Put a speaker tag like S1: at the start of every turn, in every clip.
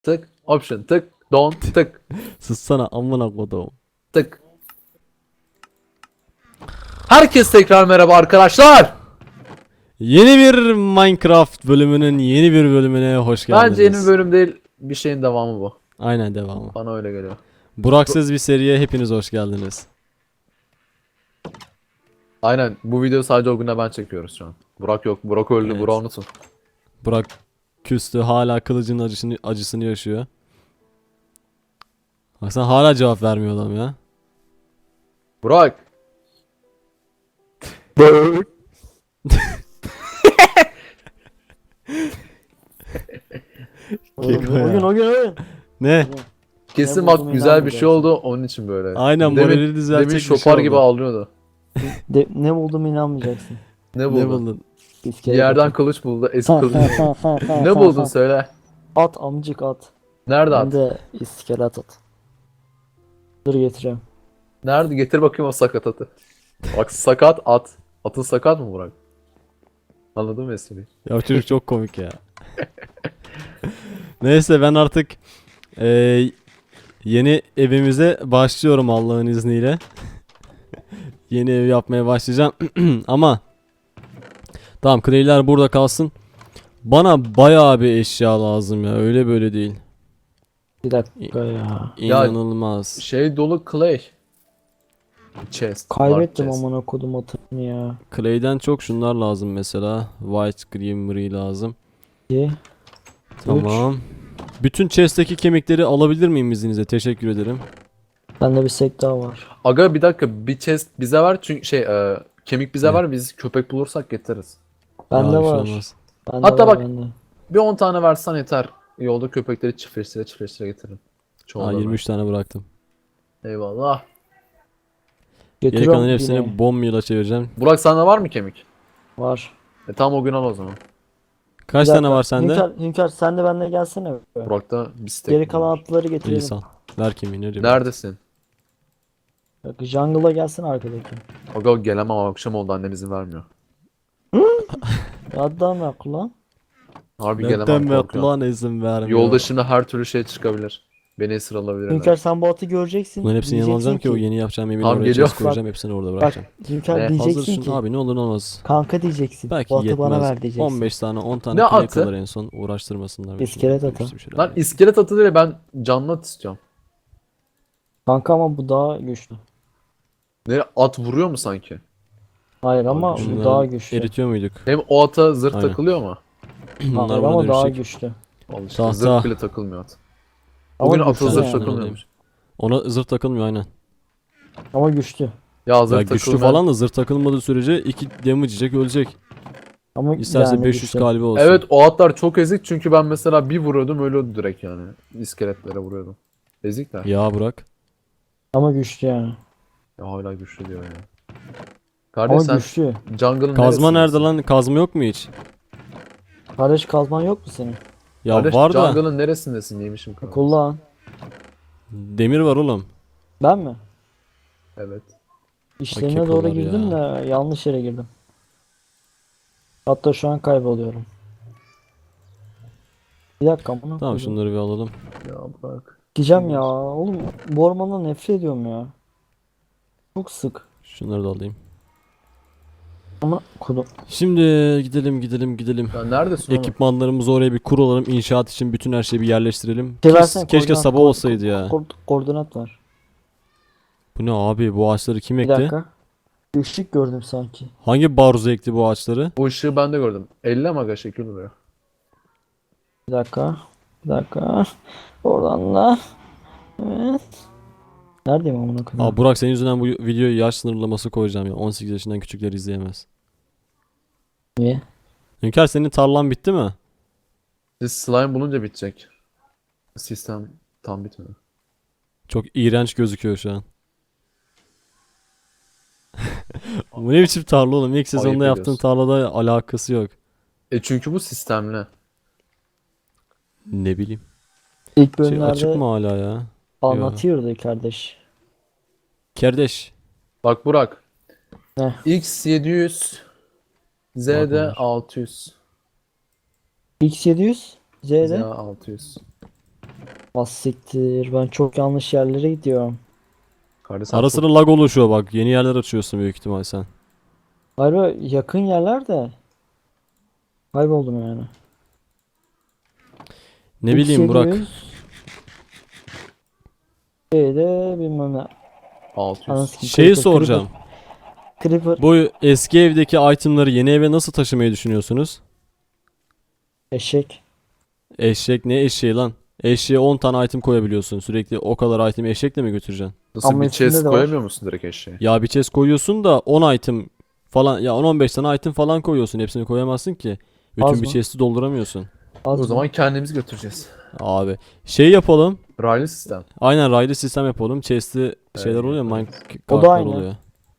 S1: Tık. Option. Tık. Don. Tık.
S2: Sussana amına kodum.
S1: Tık. Herkes tekrar merhaba arkadaşlar.
S2: Yeni bir Minecraft bölümünün yeni bir bölümüne hoş geldiniz.
S1: Bence yeni bir bölüm değil. Bir şeyin devamı bu.
S2: Aynen devamı.
S1: Bana öyle geliyor.
S2: Buraksız bir seriye hepiniz hoş geldiniz.
S1: Aynen. Bu video sadece o güne ben çekiyoruz şu an. Burak yok. Burak öldü.
S2: Evet.
S1: Burak unutun.
S2: Burak küstü, hala kılıcın acısını yaşıyor. Baksana hala cevap vermiyor adam ya.
S1: Burak.
S2: Keko ya.
S3: Oyun.
S2: Ne?
S1: Kesin
S3: Ne
S1: bak
S3: buldum
S1: güzel bir şey
S3: inanmayacaksın.
S1: oldu. Onun için böyle.
S2: Aynen, morali düzeltecek
S1: Demin
S2: bir şey
S1: şopar gibi
S2: oldu.
S1: ağlıyordu.
S3: Ne buldum inanmayacaksın.
S1: Ne
S2: Ne
S1: buldun?
S2: buldun?
S1: Bir
S3: İskelet
S1: yerden
S3: atı.
S1: kılıç buldu. Eski kılıç. Ne buldun söyle.
S3: At amcık at.
S1: Nerede
S3: Ben
S1: at?
S3: de iskelet at. Dur getireceğim.
S1: Nerede? Getir bakayım o sakat atı. Bak sakat at. Atın sakat mı Burak? Anladın mı espriyi?
S2: Ya çocuk çok komik ya. Neyse ben artık yeni evimize başlıyorum Allah'ın izniyle. Yeni ev yapmaya başlayacağım. Ama tamam, clay'ler burada kalsın. Bana bayağı bir eşya lazım ya, öyle böyle değil.
S3: Bir dakika ya.
S2: İnanılmaz.
S1: Şey dolu clay. Chest.
S3: Kaybettim
S1: large chest.
S3: amına kodum atını ya.
S2: Clay'den çok şunlar lazım mesela. White Creamery lazım.
S3: 2
S2: Tamam. Bütün chest'teki kemikleri alabilir miyim izninizle? Teşekkür ederim.
S3: Bende bir sek daha var.
S1: Aga bir dakika bir chest bize ver çünkü kemik bize
S2: Ne?
S1: ver biz köpek bulursak getiririz.
S3: Bende
S2: Ya, bir şey
S3: var.
S2: olmaz.
S3: Bende
S1: Hatta
S3: var,
S1: bak-
S3: bende.
S1: Bir 10 tane versen yeter. Yolda köpekleri çiftleştire getiririm.
S2: Aa,
S1: Çoğalırlar.
S2: 23 tane bıraktım.
S1: Eyvallah.
S2: Geri
S3: Götürüyorum
S2: kalan hepsini
S3: yine.
S2: bomb'la çevireceğim.
S1: Burak sende var mı kemik?
S3: Var.
S1: Tamam o gün al o zaman.
S2: Kaç
S3: Bir
S2: tane
S3: dakika.
S2: var sende?
S3: Hünkar sen de benimle gelsene.
S1: Burak'ta bir stek
S3: Geri
S1: var.
S3: kalan atları
S2: İyi
S3: getirelim.
S2: sal. Ver kemiği, nereye?
S1: Neredesin?
S3: Bak jungle'a gelsene arkadaki.
S1: Aga gelemem akşam oldu annem izin vermiyor.
S3: Adam yap lan.
S1: Harbi
S2: Neden
S1: gelemem
S2: mi
S1: korkuyorum.
S2: lan izin vermiyor?
S1: Yolda şimdi her türlü şey çıkabilir. Beni esir alabilirler.
S3: Hünkar sen bu atı göreceksin.
S2: Bunların hepsini yanıma alacağım
S3: Diyeceksin
S2: ki o yeni yapacağım yemeği
S1: Tamam,
S2: oraya
S1: geliyor.
S2: chest koyacağım, hepsini orada
S3: Bak
S2: bırakacağım.
S3: Hünkar
S1: Ne?
S2: Hazır
S3: diyeceksin
S2: şunu
S3: ki.
S2: abi, ne olur ne olmaz.
S3: Kanka diyeceksin.
S2: Belki
S3: Bu atı bana
S2: yetmez.
S3: ver diyeceksin.
S2: 15 tane 10 tane
S1: Ne
S2: clay
S1: atı?
S2: kalır en son, uğraştırmasınlar. beni.
S3: İskelet atı.
S2: İşte bir şeyler
S1: Lan
S2: yani.
S1: iskelet atı değil ben canlı at istiyorum.
S3: Kanka ama bu daha güçlü.
S1: Ne at vuruyor mu sanki?
S3: Hayır ama
S1: Abi
S3: bu
S2: Şunları
S3: daha güçlü.
S2: eritiyor muyduk?
S1: Hem o ata zırh
S2: Aynen.
S1: takılıyor mu?
S2: Bunlar
S3: Hayır
S2: bana
S3: ama daha
S2: dönüşecek.
S3: güçlü.
S1: Al işte
S2: Tahta.
S1: zırh bile takılmıyor at.
S3: Ama
S1: Bugün ata
S3: güçlü
S1: zırh
S3: yani.
S1: takılmıyormuş.
S2: Ona zırh takılmıyor aynen.
S3: Ama güçlü.
S1: Ya zırh
S2: Ya güçlü
S1: takılmayan-
S2: falan da zırh takılmadığı sürece 2 damage yiyecek, ölecek.
S3: Ama
S2: İsterse
S3: yani
S2: 500
S3: güçlü.
S2: kalbi olsun.
S1: Evet o atlar çok ezik çünkü ben mesela bir vuruyordum ölüyordu direkt yani. İskeletlere vuruyordum. Ezikler.
S2: Ya bırak.
S3: Ama güçlü yani.
S1: Ya hala güçlü diyor ya.
S3: Ama
S1: Kardeş sen
S3: güçlü.
S1: jungle'ın
S2: Kazma nerede
S1: neresindesin?
S2: lan? Kazma yok mu hiç?
S3: Kardeş kazman yok mu senin?
S2: Ya
S1: Kardeş
S2: var da
S1: jungle'ın neresindesin yemişim kanka.
S3: Kullan.
S2: demir var oğlum.
S3: Ben mi?
S1: Evet.
S3: İşlerine
S2: kekolar
S3: doğru girdim
S2: ya.
S3: de yanlış yere girdim. Hatta şu an kayboluyorum. Bir dakika bunu
S2: Tamam, şunları bir alalım.
S1: Ya bırak.
S3: Gideceğim ya. Oğlum bu ormandan nefret ediyorum ya. Çok sık.
S2: Şunları da alayım.
S3: Ama kodum.
S2: Şimdi gidelim.
S1: Ya neredesin oğlum?
S2: Ekipmanlarımızı oraya bir kuralım. İnşaat için bütün her şeyi bir yerleştirelim.
S3: Şey versene,
S2: Keşke
S3: koordinat,
S2: sabah olsaydı ya.
S3: Koordinat var.
S2: Bu ne abi? Bu ağaçları kim
S3: Bir
S2: ekti?
S3: dakika. Işık gördüm sanki.
S2: Hangi barzo ekti bu ağaçları?
S1: Bu ışığı ben de gördüm. 50 maga şekil duruyor.
S3: Bir dakika. Bir dakika. Oradan da. Evet. Neredeyim amına koyayım?
S2: Aa Burak, senin yüzünden bu videoyu yaş sınırlaması koyacağım ya. 18 yaşından küçükler izleyemez.
S3: Niye?
S2: Hünkar, senin tarlan bitti mi?
S1: Siz slime bulunca bitecek. Sistem tam bitmedi.
S2: Çok iğrenç gözüküyor şu an. Bu ne biçim tarla oğlum? İlk sezonda
S1: Ayıp
S2: yaptığın
S1: ediyorsun.
S2: tarlada alakası yok.
S1: Çünkü bu sistemli.
S2: Ne bileyim.
S3: İlk
S2: Şey açık
S3: bölümlerde
S2: mı hala ya?
S3: anlatıyordu kardeş.
S2: Kardeş.
S1: Bak Burak.
S3: Heh.
S1: X 700 Z'de
S2: Bakmamış.
S1: 600.
S3: X700
S1: Z
S3: Z'de
S1: 600.
S3: Az siktir. Ben çok yanlış yerlere gidiyorum.
S1: Kardeş sen
S2: Ara
S1: çok-
S2: sıra lag oluşuyor bak. Yeni yerler açıyorsun büyük ihtimal sen.
S3: Harbi yakın yerler de. Kayboldum yani.
S2: Ne bileyim Burak.
S3: X700 şeyde bilmem ne.
S1: 600.
S3: Anasını
S2: Şeyi
S3: Creeper,
S2: soracağım.
S3: Creeper.
S2: Bu eski evdeki itemları yeni eve nasıl taşımayı düşünüyorsunuz?
S3: Eşek.
S2: Eşek ne eşeği lan? Eşeğe 10 tane item koyabiliyorsun. Sürekli o kadar item eşekle mi götüreceksin?
S1: Nasıl
S3: Ama
S1: bir
S3: üstünde
S1: chest
S3: de var.
S1: koyamıyor musun direkt eşeğe?
S2: Ya bir chest koyuyorsun da 10 item falan ya 10-15 tane item falan koyuyorsun. Hepsini koyamazsın ki. Bütün
S3: Az
S2: bir
S3: mı?
S2: chest'i dolduramıyorsun.
S3: Az
S1: O
S3: mı?
S1: zaman kendimiz götüreceğiz.
S2: Abi şey yapalım.
S1: Raylı sistem.
S2: Aynen raylı sistem yapalım. Chest'i şeyler
S1: Evet,
S2: oluyor, mine
S1: evet.
S3: O da
S2: kartlar
S3: aynı.
S2: oluyor.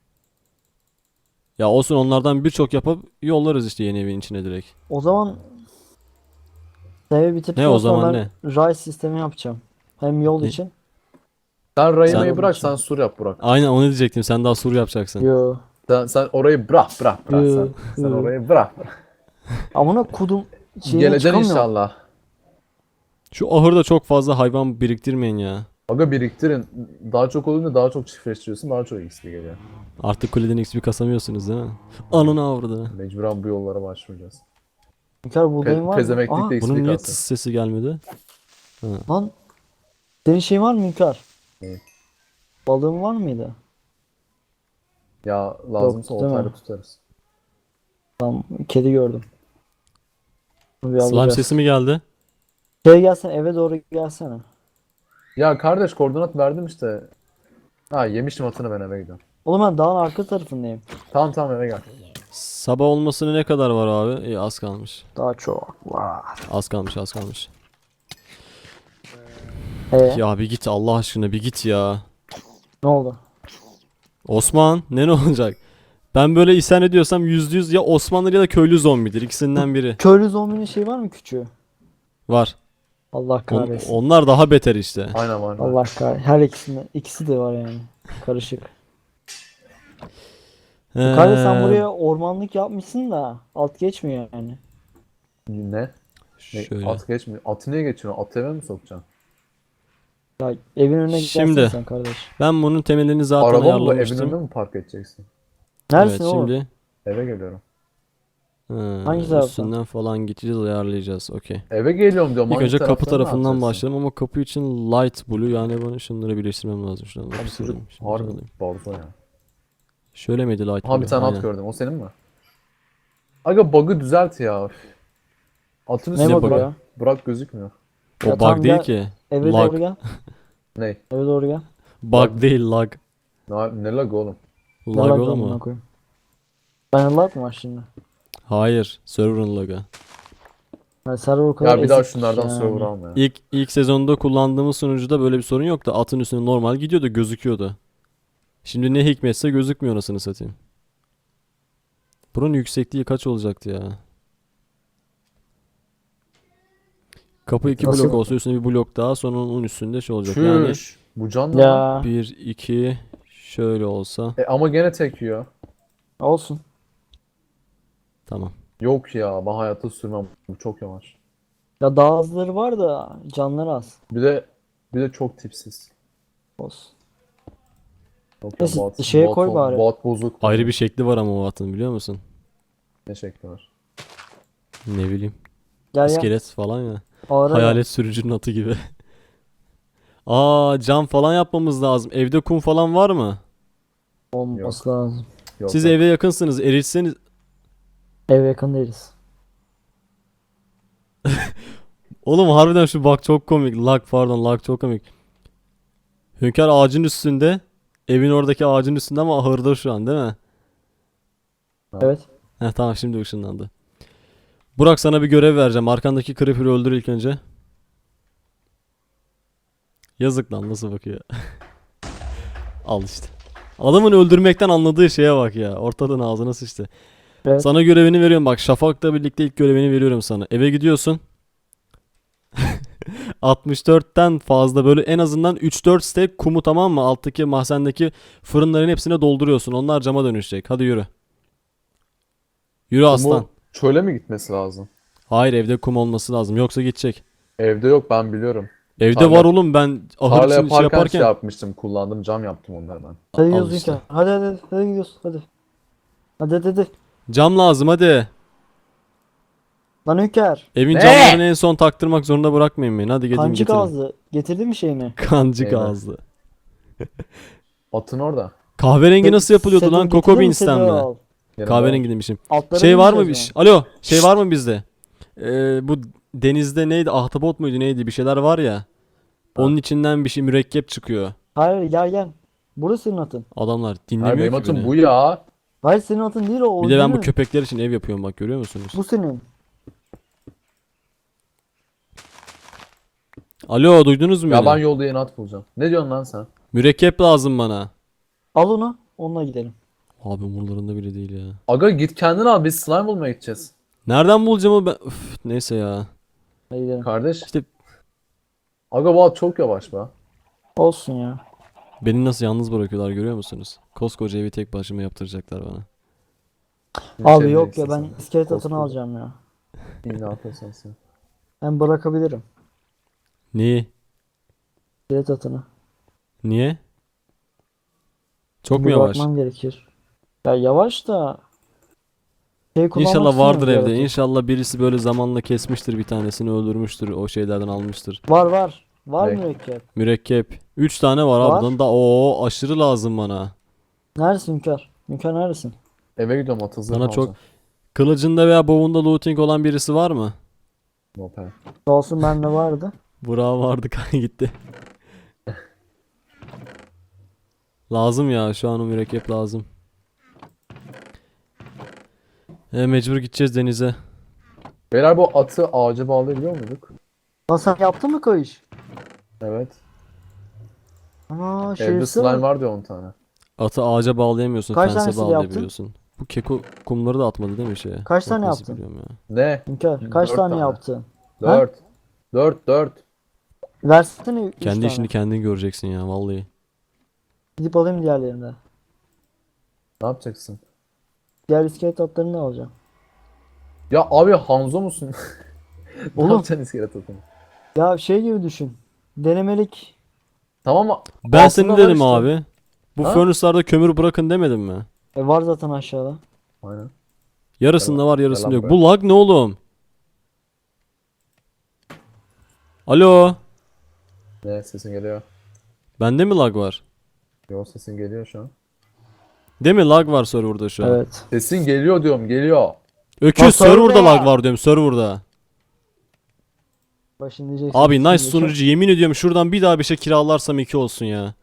S2: Ya olsun onlardan birçok yapıp yollarız işte yeni evin içine direkt.
S3: O zaman evi
S2: Ne
S3: bitirdikten
S2: o
S3: sonra
S2: zaman
S3: ben ray sistemi yapacağım. Hem yol
S2: Ne?
S3: için.
S1: Sen
S3: Sen-
S1: rayımayı bırak, sen sur yap Burak.
S2: Aynen onu diyecektim. Sen daha sur yapacaksın.
S3: Yo.
S1: Sen orayı bırak
S3: Yo.
S1: sen
S3: Yo.
S1: orayı bırak.
S3: Amına kudum şeyine
S1: Geleceksin
S3: çıkamıyorum.
S1: inşallah.
S2: Şu ahırda çok fazla hayvan biriktirmeyin ya.
S1: Aga biriktirin. Daha çok olunca daha çok çiftleştiriyorsun, daha çok XP geliyor.
S2: Artık kuleden XP kasamıyorsunuz değil mi? Ananı avradı.
S1: Mecburen bu yollara başvuracağız.
S3: Hünkar buğdayın var mı?
S1: Pezemeklikle XP
S2: Bunun niye
S1: kalsın.
S2: sesi gelmedi?
S3: Lan senin şeyin var mı Hünkar?
S1: Ne?
S3: Balığın var mıydı?
S1: Ya lazımsa
S3: Yok, değil mi?
S1: oltayla tutarız.
S3: Tamam, kedi gördüm. Bunu bir
S2: Slime
S3: alacağız.
S2: sesi mi geldi?
S3: Şey gelsene, eve doğru gelsene.
S1: Ya kardeş koordinat verdim işte. Ha yemişim atını, ben eve gidiyorum.
S3: Oğlum ben dağın arka tarafındayım.
S1: Tamam eve gel.
S2: Sabah olmasına ne kadar var abi? İyi az kalmış.
S3: Daha çok var.
S2: Az kalmış az kalmış.
S3: Ya
S2: Ya bir git Allah aşkına bir git ya.
S3: ne oldu?
S2: Osman ne olacak? Ben böyle isyan ediyorsam %100 ya Osmanlı ya da köylü zombidir. İkisinden biri.
S3: Köylü zombinin şey var mı küçüğü?
S2: Var.
S3: Allah kahretsin.
S2: Onlar daha beter işte.
S1: Aynen var.
S3: Allah kahretsin. Her ikisi de var yani. Karışık. Kardeş sen buraya ormanlık yapmışsın da alt geçmiyor yani.
S1: Ne?
S2: Şöyle.
S1: At geçmiyor. Atı niye geçiyorsun? Atı eve mi sokacaksın?
S3: Ya evin önüne
S2: Şimdi.
S3: gelsene sen kardeş.
S2: Ben bunun temelini zaten
S1: Araba mı bu? Evin
S2: ayarlamıştım.
S1: önüne mi park edeceksin?
S3: Neredesin
S2: Evet
S3: oğlum?
S2: şimdi
S1: Eve geliyorum.
S3: Hangi taraftan?
S2: üstünden falan gideceğiz ayarlayacağız. Okey.
S1: Eve geliyorum diyorum.
S2: İlk
S1: Hangi
S2: önce kapı
S1: taraftan ne
S2: tarafından
S1: yapacaksın?
S2: başlayalım ama kapı için light blue yani bana şunları birleştirmem lazım. Şuradan
S1: Abi
S2: hepsini
S1: çocuk
S2: alayım, şimdi
S1: harbi
S2: alayım.
S1: balzo ya.
S2: Şöyle miydi light
S1: Aha
S2: blue?
S1: bir tane
S2: Aynen.
S1: at gördüm. O senin mi? Aga bug'ı düzelt ya. Üf. Atın
S3: Ne
S1: üstüne
S3: bug'ı
S1: bırak,
S3: ya?
S1: bırak gözükmüyor.
S2: O
S3: Ya
S2: bug
S3: tamam,
S2: değil
S3: gel.
S2: ki.
S3: Eve
S2: Lag.
S3: doğru gel.
S1: Ne?
S3: Eve doğru gel.
S2: Bug değil lag.
S1: Ne lag oğlum?
S3: Ne
S2: Lag
S3: lag
S2: oğlum
S3: amına
S2: o.
S3: koyayım. Ben lag mı var şimdi?
S2: Hayır. Server'ın lagı.
S3: Yani server o kadar
S1: Ya bir daha
S3: ezik
S1: şunlardan
S3: yani.
S1: server alma ya.
S2: İlk sezonda kullandığımız sunucuda böyle bir sorun yoktu. Atın üstüne normal gidiyordu, gözüküyordu. Şimdi ne hikmetse gözükmüyor anasını satayım. Bunun yüksekliği kaç olacaktı ya? Kapı 2
S3: Nasıl?
S2: blok olsa üstüne bir blok daha sonra onun üstünde şey olacak. Yani
S1: Çüş. Bu can ne lan?
S3: Ya
S2: 1 2 şöyle olsa
S1: Ama gene tek yiyor.
S3: olsun.
S2: tamam.
S1: Yok ya, ben hayatta sürmem. Bu çok yavaş.
S3: Ya daha azları var da canları az.
S1: Bir de çok tipsiz.
S3: Olsun.
S1: Yok ya,
S3: Neyse,
S1: bot,
S3: şeye
S1: bot,
S3: koy bari.
S1: bot bozuk.
S2: Ayrı bir şekli var ama o atın biliyor musun?
S1: Ne şekli var?
S2: Ne bileyim.
S3: Gel gel.
S2: İskelet falan ya.
S3: Ağır
S2: Hayalet sürücünün atı gibi. Aa cam falan yapmamız lazım. Evde kum falan var mı?
S3: olması lazım.
S1: Yok,
S2: Siz
S1: yok.
S2: eve yakınsınız. Erişseniz
S3: Eve yakın değiliz.
S2: oğlum harbiden şu bak çok komik. Lag çok komik. Hünkar ağacın üstünde. Evin oradaki ağacın üstünde ama ahırda şu an değil mi?
S3: Evet.
S2: Heh tamam şimdi ışınlandı. Burak sana bir görev vereceğim. Arkandaki creeper'ı öldür ilk önce. Yazık lan nasıl bakıyor. Al işte. Adamın öldürmekten anladığı şeye bak ya. Ortadan ağzına sıçtı.
S3: Evet.
S2: Sana görevini veriyorum bak. Şafak'la birlikte ilk görevini veriyorum sana. Eve gidiyorsun. 64'ten fazla böyle en azından 3-4 stack kumu tamam mı? Alttaki mahzendeki fırınların hepsine dolduruyorsun. Onlar cama dönüşecek. Hadi yürü. Yürü aslan.
S1: Bu çöle mi gitmesi lazım?
S2: Hayır evde kum olması lazım. Yoksa gidecek.
S1: Evde yok, ben biliyorum.
S2: Evde
S1: Tarla-
S2: var oğlum, ben ahır
S1: Tarla
S2: için şey
S1: yaparken
S2: yaparken.
S1: şey yapmıştım. Kullandım, cam yaptım onları ben.
S3: Hadi
S2: Al
S3: gidiyoruz
S2: işte.
S3: Hünkar. Hadi gidiyoruz hadi. Hadi.
S2: Cam lazım hadi.
S3: Lan Hünkar.
S2: Evin
S1: Ne?
S2: camlarını en son taktırmak zorunda bırakmayın beni. Hadi gidin
S3: Kancık
S2: getirin.
S3: ağzı. Getirdin mi şeyini?
S2: Kancık
S1: Eyvah.
S2: ağızlı.
S1: Atın orada.
S2: Kahverengi nasıl yapılıyordu lan?
S3: Saddle
S2: Coco
S3: getirdin mi?
S2: Beans'ten
S3: Saddle
S2: mi?
S3: al.
S1: Yanımda
S2: Kahverengi demişim.
S3: Altlara
S2: Şey var mı?
S3: bineceğiz
S2: Alo, şey var mı bizde? Bu denizde neydi? Ahtapot muydu neydi? Bir şeyler var ya. Onun içinden bir şey mürekkep çıkıyor.
S3: Hayır gel. Burası senin atın.
S2: Adamlar
S1: Hayır,
S2: dinlemiyor
S1: benim
S2: ki
S1: atım
S2: beni.
S1: bu ya.
S3: Hayır senin atın değil o.
S2: Bir de ben bu
S3: orijinal.
S2: köpekler için ev yapıyorum bak, görüyor musunuz?
S3: Bu senin.
S2: Alo, duydunuz mu
S1: Ya
S2: beni?
S1: ben yolda yeni at bulacağım. Ne diyorsun lan sen?
S2: Mürekkep lazım bana.
S3: Al onu. Onunla gidelim.
S2: Abi umurlarında bile değil ya.
S1: Aga git kendin al, biz slime bulmaya gideceğiz.
S2: Nereden bulacağım o ben? Üf, neyse ya.
S3: Hadi gidelim.
S1: Kardeş.
S2: İşte
S1: Aga bu at çok yavaş be.
S3: Olsun ya.
S2: beni nasıl yalnız bırakıyorlar, görüyor musunuz? Koskoca evi tek başıma yaptıracaklar bana.
S3: Abi
S1: Şey
S3: yok ya
S1: diyeceksin
S3: ben
S1: sen.
S3: iskelet atını
S1: Koskoca.
S3: alacağım ya.
S1: İyi, ne yapıyorsun sen?
S3: Ben bırakabilirim.
S2: Niye?
S3: İskelet atını.
S2: Niye? Çok mu
S3: Bir
S2: yavaş?
S3: bakmam gerekir. Ya yavaş da şey kullanmak
S2: İnşallah vardır
S3: istemiyorum
S2: evde.
S3: bir
S2: İnşallah birisi böyle zamanla kesmiştir, bir tanesini öldürmüştür, o şeylerden almıştır.
S3: Var. Var
S1: Ne?
S3: mürekkep.
S2: Mürekkep. 3 tane var
S3: Var.
S2: abi. Bundan da o aşırı lazım bana.
S3: Neredesin Hünkar? Hünkar neredesin?
S1: Eve gidiyorum, at hazır
S2: Bana çok
S1: alacağım.
S2: kılıcında veya boğunda looting olan birisi var mı?
S1: Nope.
S3: Sağ olsun bende vardı.
S2: Burak vardı gitti. Lazım ya, şu an o mürekkep lazım. Mecbur gideceğiz denize.
S1: Beyler bu atı ağaca bağlayabiliyor muyduk?
S3: Lan sen yaptın mı kayış?
S1: Evet.
S3: Ana
S1: Evde
S3: şerefsiz
S1: slime
S3: bak.
S1: vardı ya 10 tane.
S2: Atı ağaca bağlayamıyorsun,
S3: Kaç
S2: fense
S3: tanesiyle yaptın?
S2: bağlayabiliyorsun. Bu keko kumları da atmadı değil mi şeye?
S3: Kaç
S2: Yok,
S3: tane
S2: nasıl
S3: yaptın?
S2: biliyorum ya.
S1: Ne?
S3: Hünkar kaç
S1: 4
S3: tane
S1: tane.
S3: yaptın?
S1: 4. 4.
S3: Versene 3
S2: Kendi
S3: tane.
S2: işini kendin göreceksin ya vallahi.
S3: Gidip alayım diğerlerini.
S1: Ne yapacaksın?
S3: Diğer iskelet atlarını da alacağım.
S1: Ya abi Hanzo musun? Ne
S3: Oğlum.
S1: yapacaksın iskelet atını?
S3: Ya şey gibi düşün. Denemelik.
S1: Tamam mı?
S2: Ben
S1: Altında
S2: seni
S1: var
S2: dedim
S1: işte.
S2: abi. Bu
S1: Ha?
S2: furnace'larda kömür bırakın demedim mi?
S3: Var zaten aşağıda.
S1: Aynen.
S2: Yarısında var, yarısında
S1: Yalan
S2: yok.
S1: be.
S2: Bu lag ne oğlum? Alo.
S1: Ne, sesin geliyor.
S2: Bende mi lag var?
S1: Yo, sesin geliyor şu an.
S2: Değil mi, lag var serverda şu an?
S3: Evet.
S1: Sesin geliyor diyorum, geliyor.
S2: Öküz,
S3: Bak,
S2: serverda
S3: serverda.
S2: lag var diyorum, serverda.
S3: Bak şimdi diyeceksin.
S2: Abi nice
S3: Şimdi
S2: sunucu, yemin ediyorum şuradan bir daha bir şey kiralarsam 2 olsun ya.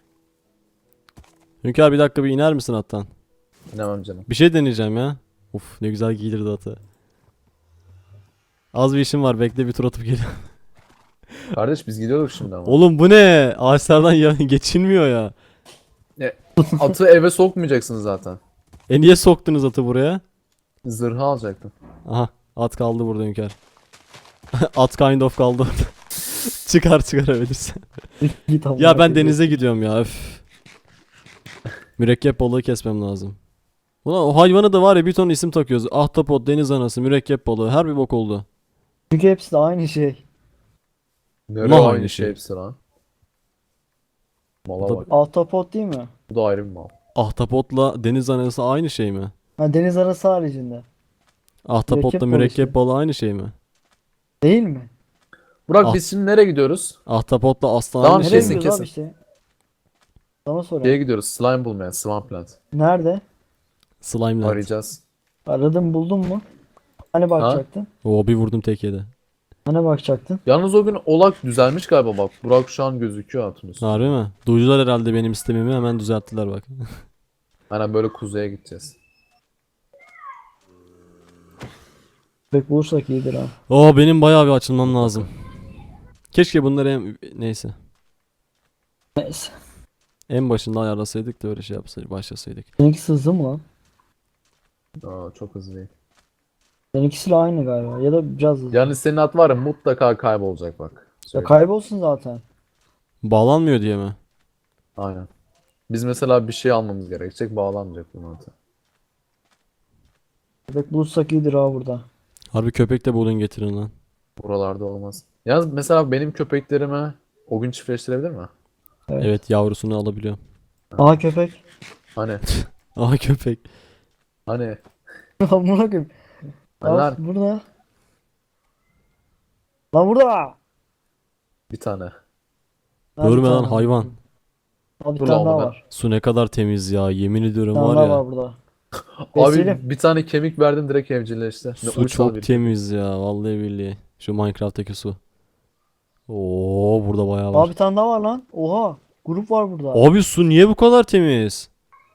S2: Hünkar bir dakika, bir iner misin attan?
S1: İnemem canım.
S2: Bir şey deneyeceğim ya. Uf, ne güzel giydirdi atı. Az bir işim var, bekle bir tur atıp geliyorum.
S1: Kardeş biz gidiyorduk şimdi ama.
S2: Oğlum bu ne? Ağaçlardan geçilmiyor ya.
S1: Atı eve sokmayacaksın zaten.
S2: Niye soktunuz atı buraya?
S1: Zırhı alacaktım.
S2: Aha, at kaldı burada Hünkar. At kind of kaldı orada. Çıkarabilirsen.
S3: Git amına
S2: Ya ben
S3: koyayım.
S2: denize gidiyorum ya, öf. Mürekkep balığı kesmem lazım. Ulan o hayvanı da var ya, bir ton isim takıyoruz. Ahtapot, deniz anası, mürekkep balığı, her bir bok oldu.
S3: Çünkü hepsi de aynı şey.
S1: Nereye
S2: Mal
S1: aynı
S2: aynı
S1: şey
S2: şey.
S1: hepsi lan. Mala
S2: Bu da-
S1: bak.
S3: Ahtapot değil mi?
S1: Bu da ayrı bir mal.
S2: Ahtapotla deniz anası aynı şey mi?
S3: Ha, deniz arası haricinde.
S2: Ahtapotla
S3: Mürekkep balığı
S2: mürekkep
S3: işte.
S2: balığı aynı şey mi?
S3: Değil mi?
S1: Burak
S2: Ah.
S1: biz şimdi nereye gidiyoruz?
S2: Ahtapotla aslan
S1: Tamam,
S2: aynı
S3: Nereye
S2: şey mi?
S3: gidiyoruz
S1: kesin.
S3: abi işte? Sana
S1: Şeye
S3: soruyorum.
S1: gidiyoruz, slime bulmaya, Swampland.
S3: Nerede?
S2: Slime'la.
S1: Arayacağız.
S3: Aradın buldun mu? Hani bakacaktın?
S2: Oo, bir vurdum tek yedi.
S3: Hani bakacaktın?
S1: Yalnız o gün olak düzelmiş galiba bak. Burak şu an gözüküyor hatun üstünde.
S2: Harbi mi? Duydular herhalde benim istemimi, hemen düzelttiler bak.
S1: Aynen, böyle kuzeye gideceğiz.
S3: Pek bulursak iyidir ha.
S2: Oo, benim bayağı bir açılmam lazım. Keşke bunları neyse.
S3: Neyse.
S2: En başında ayarlasaydık da öyle şey yapsaydık, başlasaydık.
S3: Seninkisi hızlı mı lan?
S1: Aa, çok hızlı değil.
S3: Seninkisiyle aynı galiba. Ya da biraz hızlı.
S1: Yani senin at var ya, mutlaka kaybolacak bak.
S3: Ya
S1: Söyleyeyim.
S3: kaybolsun zaten.
S2: Bağlanmıyor diye mi?
S1: Aynen. Biz mesela bir şey almamız gerekecek, bağlanmayacak bu atı.
S3: Pek bulursak iyidir ha burada.
S2: Harbi köpek de bulun getirin lan.
S1: Buralarda olmaz. Yalnız mesela benim köpeklerime o gün çiftleştirebilir mi?
S2: Evet, yavrusunu alabiliyor.
S3: Aha köpek.
S1: Hani
S2: Aha köpek.
S1: hani
S3: Amına koyayım.
S1: hani
S3: Al
S1: lan
S3: burada. Lan burada.
S1: bir tane.
S3: Ha, bir
S2: Görme lan
S3: tane.
S2: hayvan.
S3: Al bir
S1: Dur
S3: tane
S1: lan
S3: daha
S1: oğlum ben.
S3: var.
S2: Su ne kadar temiz ya. Yemin ediyorum
S3: Bir tane
S2: var
S3: daha
S2: ya.
S3: var burada.
S1: Abi
S3: Besleyelim.
S1: bir tane kemik verdim direkt evcilleşti. Ne
S2: Su
S1: uysal
S2: çok
S1: bir
S2: temiz ya. Vallahi billahi. Şu Minecraft'taki su. Oo, burada bayağı
S3: Aa
S2: var.
S3: bir tane daha var lan. Oha. Grup var burada.
S2: Abi su niye bu kadar temiz?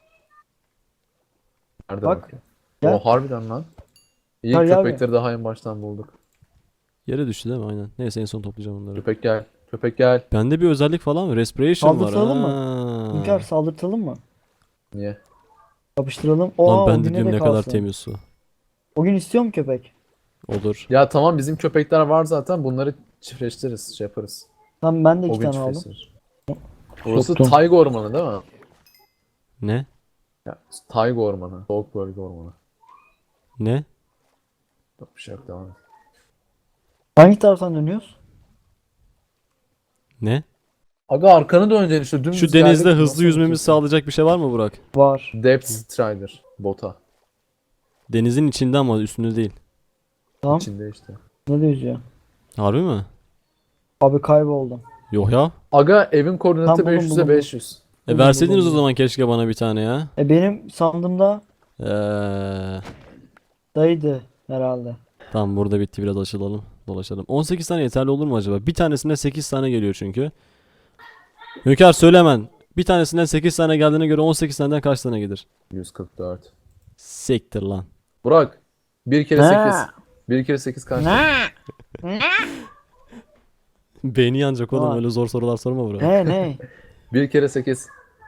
S1: Nerede
S3: Bak.
S1: bakayım?
S3: Gel.
S1: O harbiden lan. İyi
S3: Gel, gel
S1: köpekleri daha en baştan bulduk.
S2: Yere düştü değil mi? Aynen. Neyse en son toplayacağım onları.
S1: Köpek gel. Köpek gel.
S2: Bende bir özellik falan mı? Respiration var.
S3: Saldırtalım mı?
S2: Ha.
S3: Hünkar saldırtalım mı?
S1: Niye?
S3: Yapıştıralım. Oha
S2: Lan
S3: o
S2: ben de
S3: güne
S2: diyorum
S3: de
S2: ne kadar
S3: kalsın.
S2: temiz su.
S3: O gün istiyor mu köpek?
S2: Olur.
S1: Ya tamam bizim köpekler var zaten. Bunları çiftleştiririz. Şey yaparız.
S3: Tamam ben de
S1: O
S3: iki
S1: gün
S3: tane aldım.
S1: çiftleştirir. Burası
S3: Soktum.
S1: tayga ormanı değil mi?
S2: Ne?
S1: Ya, tayga ormanı. Soğuk bölge ormanı.
S2: Ne?
S1: Yok bir şey yok devam et.
S3: Hangi taraftan dönüyoruz?
S2: Ne?
S1: Aga arkanı döneceksin işte dümdüz
S2: Şu denizde
S1: geldik.
S2: hızlı
S1: Nasıl
S2: yüzmemizi
S1: gideceksin?
S2: sağlayacak bir şey var mı Burak?
S3: Var.
S1: Depth Strider. Bota.
S2: Denizin içinde ama üstünde değil.
S3: Tamam.
S1: İçinde işte.
S3: Ne diyoruz ya?
S2: Harbi mi?
S3: Abi kayboldum.
S2: Yok ya.
S1: Aga evin koordinatı
S3: Tam buldum,
S1: 500'e
S3: buldum.
S1: 500.
S2: Verseydiniz o
S3: buldum.
S2: zaman keşke bana bir tane ya.
S3: Benim sandığımda
S2: Eee...
S3: dayıydı herhalde.
S2: Tamam burada bitti, biraz açılalım. Dolaşalım. 18 tane yeterli olur mu acaba? Bir tanesine 8 tane geliyor çünkü. Hünkar söyle hemen. Bir tanesinden 8 tane geldiğine göre 18 taneden kaç tane gelir?
S1: 144.
S2: Sektir lan.
S1: Burak. 1 kere
S3: Ne?
S1: 8. 1 kere 8 kaç?
S2: Beyni yanacak oğlum,
S3: Aa.
S2: öyle zor sorular sorma Burak.
S3: Ne?
S1: 1 kere 8.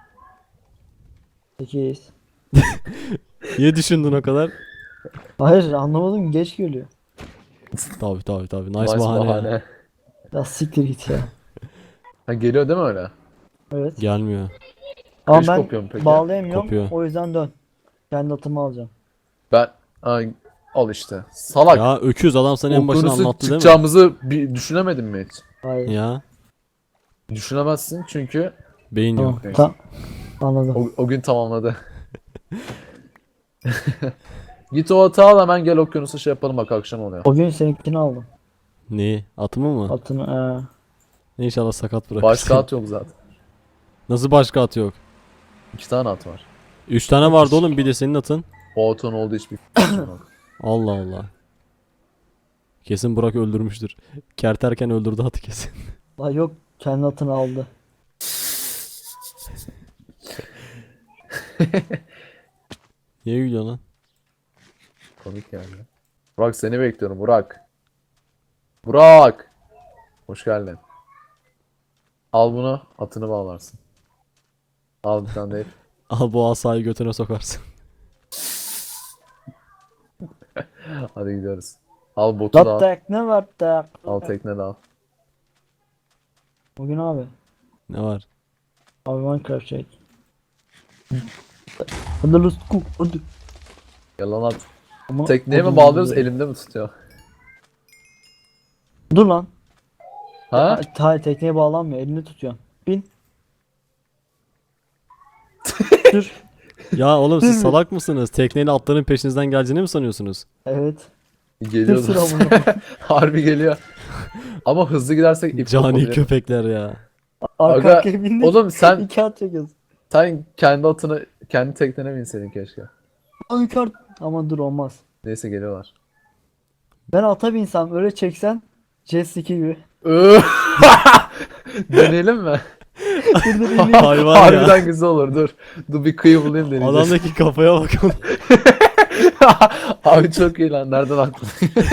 S3: 8.
S2: Niye düşündün o kadar?
S3: Hayır anlamadım geç geliyor.
S2: Tabii. Nice,
S1: Nice
S2: bahane.
S1: bahane.
S3: Ya siktir git ya.
S1: Ha, geliyor değil mi öyle?
S3: Evet.
S2: Gelmiyor.
S3: Ama
S1: Kış
S3: ben
S1: kopuyor mu peki?
S3: bağlayamıyorum.
S2: Kopuyor.
S3: O yüzden dön. Kendi atımı alacağım.
S1: Ben ay, al işte. Salak.
S2: Ya öküz, adam sana en başına
S1: Okyanusu
S2: anlattı değil mi?
S1: çıkacağımızı bir düşünemedin mi hiç?
S3: Hayır.
S2: Ya
S1: Düşünemezsin çünkü
S2: beyin yok.
S3: Tamam. Tamam. Anladım.
S1: o gün tamamladı. Git o atı al hemen gel okyanusu şey yapalım bak akşam oluyor.
S3: O gün seninkini aldım.
S2: Neyi? Atımı mı?
S3: Atını
S2: İnşallah sakat bırakırsın.
S1: Başka at yok zaten.
S2: Nasıl başka at yok?
S1: 2 tane at var.
S2: 3 tane vardı oğlum, bir de senin atın.
S1: O atın olduğu hiçbir fikrim yok.
S2: Allah Allah. Kesin Burak öldürmüştür. Kerterken öldürdü atı kesin.
S3: La yok kendi atını aldı.
S2: Niye gülüyorsun lan?
S1: Komik geldi. Burak seni bekliyorum Burak. Burak. Hoş geldin. Al bunu atını bağlarsın. Al bir tane değil.
S2: Al bu asayı götüne sokarsın.
S1: Hadi gidiyoruz. Al botu da
S3: La
S1: al.
S3: tekne var tek.
S1: Al tekne de al.
S3: Bugün abi.
S2: Ne var?
S3: Abi Minecraft şey. Hadi let's go. Hadi.
S1: Yalan at.
S3: Ama
S1: Tekneye mi
S3: odun
S1: bağlıyoruz
S3: buluyor.
S1: elimde mi tutuyor?
S3: Dur lan.
S1: Ha?
S3: Hayır tekneye bağlanmıyor. Elini tutuyorsun. Bin. Dur.
S2: Ya oğlum siz salak mısınız? Tekneyle atların peşinizden geleceğini mi sanıyorsunuz?
S3: Evet.
S1: Geliyor
S3: Sıra
S1: zaten.
S3: bunu.
S1: Harbi geliyor. Ama hızlı gidersek ip
S2: Cani
S1: kopabilir.
S2: köpekler ya.
S3: Arka
S1: Aga,
S3: arkaya bindik.
S1: oğlum sen
S3: 2 at çekiyoruz.
S1: kendi atını kendi teknene binseydin keşke.
S3: Ay kart. Ama dur olmaz.
S1: Neyse geliyorlar.
S3: Ben ata binsem öyle çeksen jet ski gibi.
S1: Deneyelim mi?
S3: Dur dur ineyim.
S2: Hayvan ya.
S1: Harbiden güzel olur. Dur. Dur bir kıyı bulayım deneyeceğiz.
S2: Adamdaki kafaya bak oğlum.
S1: Abi çok iyi lan. Nereden aklına?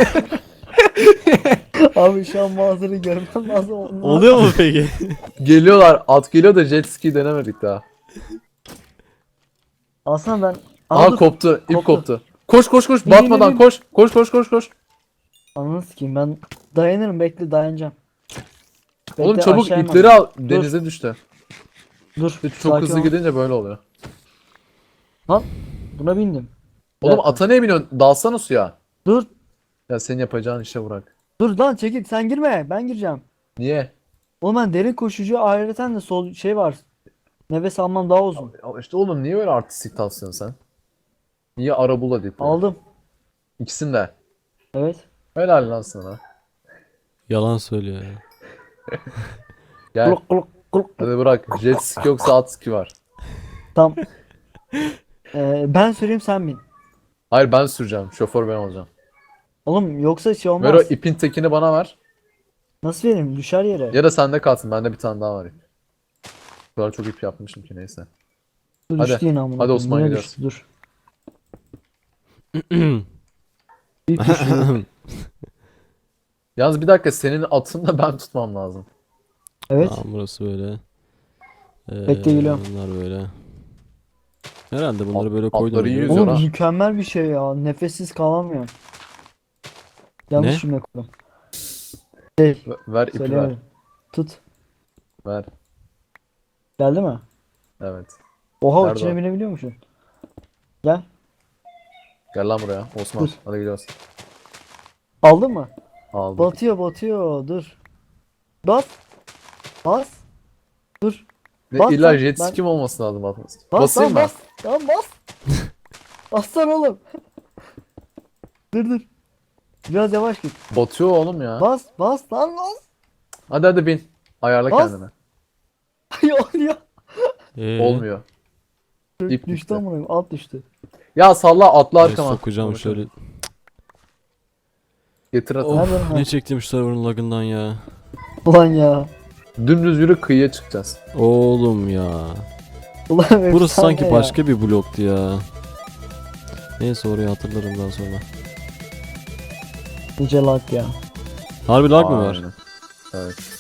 S3: Abi şu an manzarayı görmem lazım.
S2: Oluyor mu peki?
S1: Geliyorlar. At geliyor da jet ski denemedik daha.
S3: Aslında ben...
S1: Aha
S3: dur.
S1: koptu. İp
S3: Koptu.
S1: koptu. Koş koş koş.
S3: Bin,
S1: Batmadan
S3: bin, bin.
S1: koş. Koş koş koş koş.
S3: Ananı sikeyim ben dayanırım bekle dayanacağım. Bekle,
S1: Oğlum çabuk
S3: aşağı
S1: ipleri
S3: inmem.
S1: al. Denize düştü.
S3: Dur.
S1: Çok
S3: sakin
S1: hızlı
S3: ol.
S1: gidince böyle oluyor.
S3: Lan buna bindim.
S1: Oğlum
S3: dakika.
S1: ata niye biniyorsun? Dalsana suya.
S3: Dur.
S1: Ya senin yapacağın işe bırak.
S3: Dur lan çekil, sen girme, ben gireceğim.
S1: Niye?
S3: Oğlum ben derin koşucu, ayrıca de sol şey var. Nefes almam daha uzun.
S1: İşte oğlum niye öyle artistik tavsıyorsun sen? Niye arabula deyip böyle?
S3: Aldım.
S1: İkisini de.
S3: Evet.
S1: Helal lan sana.
S2: Yalan söylüyor ya.
S1: Gel.
S3: Kuluk kuluk kuluk.
S1: Hadi bırak. Jet ski yoksa at ski var.
S3: Tam. Ben süreyim, sen bin.
S1: Hayır ben süreceğim. Şoför ben olacağım.
S3: Oğlum yoksa şey olmaz.
S1: Ver o ipin tekini bana ver.
S3: Nasıl vereyim? Düşer yere.
S1: Ya da sende kalsın. Bende bir tane daha var ip. Bu kadar çok ip yapmışım ki neyse.
S3: Dur,
S1: hadi.
S3: düştü yine amına
S1: Hadi
S3: koyayım.
S1: Osman,
S3: Yine
S1: gidiyoruz.
S3: düştü, dur. İlk düştü.
S1: Yalnız bir dakika senin atını da ben tutmam lazım.
S3: Evet.
S2: Tamam burası böyle.
S3: Bekle, geliyorum.
S2: Bunlar böyle. Herhalde bunları
S1: At-
S2: böyle koydum.
S1: atları
S2: biliyor
S1: yiyoruz
S2: musun?
S1: ya.
S3: Oğlum
S1: ha.
S3: mükemmel bir şey ya. Nefessiz kalamıyorum. Yanlış
S2: Ne?
S3: cümle kurdum. Şey,
S1: Ver ipi ver.
S3: söylemedim. Tut.
S1: Ver.
S3: Geldi mi?
S1: Evet.
S3: Oha,
S1: Nerede
S3: içine
S1: o?
S3: binebiliyormuşsun. Gel.
S1: Gel lan buraya. Osman.
S3: Dur.
S1: Hadi gidiyoruz.
S3: Aldın mı?
S1: Aldım.
S3: Batıyor. Dur. Bas. Bas. Dur.
S1: Ne,
S3: bas
S1: illa
S3: lan,
S1: jet
S3: ben-
S1: ski mi olması lazım atması?
S3: Bas
S1: Basayım
S3: lan,
S1: mı?
S3: bas. Tamam, bas. Bassana oğlum. Dur. Biraz yavaş git.
S1: Batıyor oğlum ya.
S3: Bas lan, bas.
S1: Hadi bin. Ayarla
S3: Bas.
S1: kendini.
S3: Oluyor.
S1: Olmuyor. İp
S3: Düştü
S1: gitti.
S3: amına koyayım, alt düştü.
S1: Ya salla atla
S2: Ben
S1: arkama.
S2: sokacağım
S1: Konuşalım.
S2: şöyle.
S1: Getir atı.
S3: Nereden
S2: Of
S3: ha?
S2: ne çektim şu server'ın lagından ya.
S3: Ulan ya.
S1: Dümdüz yürü kıyıya çıkacağız.
S2: Oğlum ya.
S3: Ulan
S2: Burası
S3: efsane
S2: sanki
S3: ya.
S2: başka bir bloktu ya. Neyse orayı hatırlarım daha sonra.
S3: Nice lag ya.
S2: Harbi lag mı var?
S1: Aynen. Evet.